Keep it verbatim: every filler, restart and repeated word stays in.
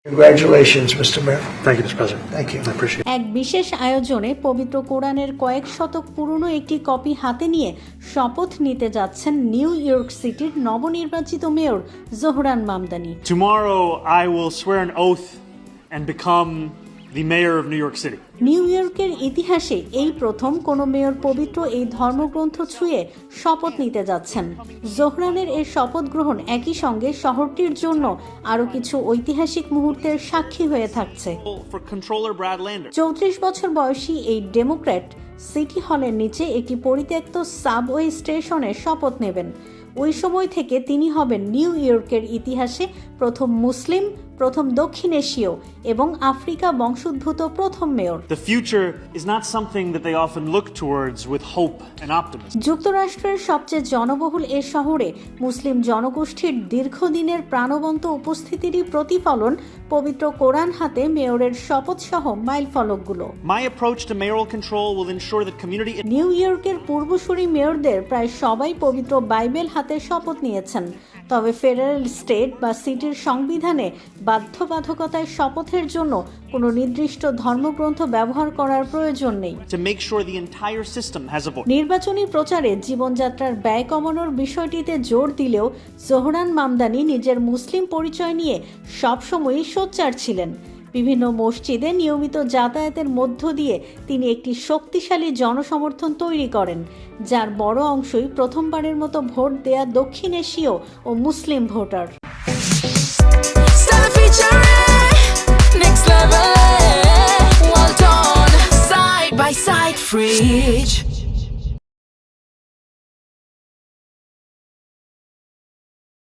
Congratulations, Mister Mayor. Thank you, Mister President. Thank you. I appreciate it. এক বিশেষ আয়োজনে পবিত্র কোরআনের কয়েক শতক পুরনো একটি কপি হাতে নিয়ে শপথ নিতে যাচ্ছেন নিউ ইয়র্ক সিটির নবনির্বাচিত mayor Zohran Mamdani. Tomorrow, I will swear an oath and become the mayor of New York City. New ইয়র্কের ইতিহাসে এই প্রথম কোনো মেয়র পবিত্র এই ধর্মগ্রন্থ ছুঁয়ে শপথ নিতে যাচ্ছেন। জোহরানের এই শপথ গ্রহণ একই সঙ্গে শহরটির জন্য আরও কিছু ঐতিহাসিক মুহূর্তের সাক্ষী হয়ে থাকছে। For Controller Brad Lander. চৌত্রিশ বছর বয়সী এই ডেমোক্র্যাট সিটি হলের নিচে একটি পরিত্যক্ত সাবওয়ে স্টেশনে শপথ নেবেন। ওই সময় থেকে তিনি হবেন নিউ ইয়র্কের ইতিহাসে প্রথম মুসলিম, প্রথম দক্ষিণ এশীয় এবং আফ্রিকা বংশোদ্ভূত প্রথম mayor. The future is not something that they often look towards with hope and optimism. যুক্তরাষ্ট্রের সবচেয়ে জনবহুল এ শহরে মুসলিম জনগোষ্ঠীর দীর্ঘদিনের প্রাণবন্ত উপস্থিতিরই প্রতিফলন পবিত্র কোরআন হাতে মেয়রের শপথ সহ মাইল ফলকগুলো। My approach to mayoral control will ensure that community New ইয়র্কের পূর্বসূরি মেয়রদের প্রায় সবাই পবিত্র বাইবেল হাতে শপথ নিয়েছেন, তবে ফেডারেল স্টেট বা সিটির সংবিধানে বাধ্যবাধকতায় শপথের জন্য কোনো নির্দিষ্ট ধর্মগ্রন্থ ব্যবহার করার প্রয়োজন নেই। to make sure the entire system has a voice. নির্বাচনী প্রচারে জীবনযাত্রার ব্যয় কমানোর বিষয়টিতে জোর দিলেও জোহরান মামদানি নিজের মুসলিম পরিচয় নিয়ে সবসময়ই সোচ্চার ছিলেন। বিভিন্ন মসজিদে নিয়মিত যাতায়াতের মধ্য দিয়ে তিনি একটি শক্তিশালী জনসমর্থন তৈরি করেন, যার বড় অংশই প্রথমবারের মতো ভোট দেয়া দক্ষিণ এশীয় ও Muslim voter. Next level, well done, side by side fridge.